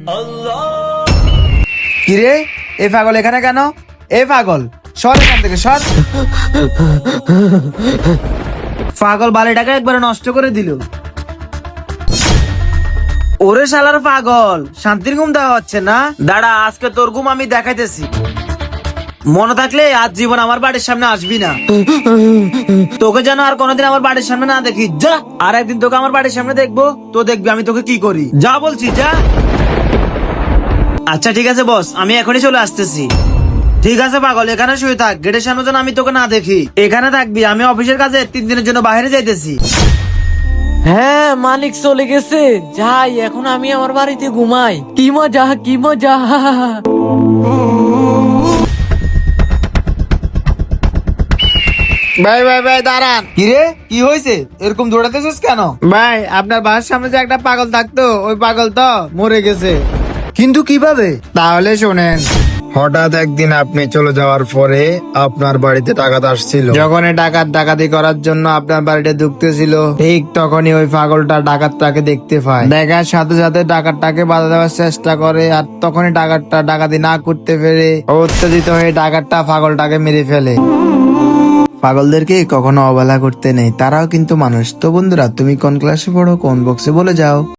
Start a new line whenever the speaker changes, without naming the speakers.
কিরে এ পাগল এখানে কেন? এ পাগল সর এখান থেকে সর। পাগল বালিটাকে একবারে নষ্ট করে দিল। ওরে শালার পাগল, শান্তির ঘুম দেওয়া হচ্ছে না? দাঁড়া, আজকে তোর ঘুম আমি দেখাইতেছি। মনে থাকলে আজ জীবন আমার বাড়ির সামনে আসবি না। তোকে যেন আর কোনোদিন আমার বাড়ির সামনে না দেখি, যা। আর একদিন তোকে আমার বাড়ির সামনে দেখবো, তো দেখবি আমি তোকে কি করি। যা বলছি, যা। আচ্ছা ঠিক আছে বস, আমি এখনই চলে আসতেছি। ঠিক আছে পাগল, এখানে শুয়ে থাক, গেটের সামনে যেন আমি তোকে না দেখি। এখানে থাকবি, আমি অফিসের কাজে 3 দিনের জন্য বাইরে যাইতেছি।
হ্যাঁ, মালিক চলে গেছে, যাই এখন আমি আমার বাড়িতে ঘুমাই। কি মজা, কি মজা।
ভাই ভাই ভাই দাঁড়ান। কিরে কি হয়েছে, এরকম দৌড়াতেছিস কেন? ভাই আপনার বাসার সামনে যে একটা পাগল থাকতো, ওই পাগল তো মরে গেছে। কিন্তু কিভাবে? তাহলে শোনেন।
হঠাৎ একদিন আপনি চলে যাওয়ার পরে আপনার বাড়িতে ডাকাত আসছিল।
যখন ডাকাতি করার জন্য আপনার বাড়িতে ঢুকতেছিল, ঠিক তখনই ওই পাগলটা ডাকাতটাকে দেখতে পায়। দেখার সাথে সাথে ডাকাতটাকে বাধা দেওয়ার চেষ্টা করে, আর তখনই ডাকাতটা ডাকাতি না করতে পেরে উত্তেজিত হয়ে ডাকাতটা পাগলটাকে মেরে ফেলে। পাগলদেরকে কখনো অবহেলা করতে নেই, তারাও কিন্তু মানুষ। তো বন্ধুরা, তুমি কোন ক্লাসে পড়ো, কোন বক্সে বলে যাও।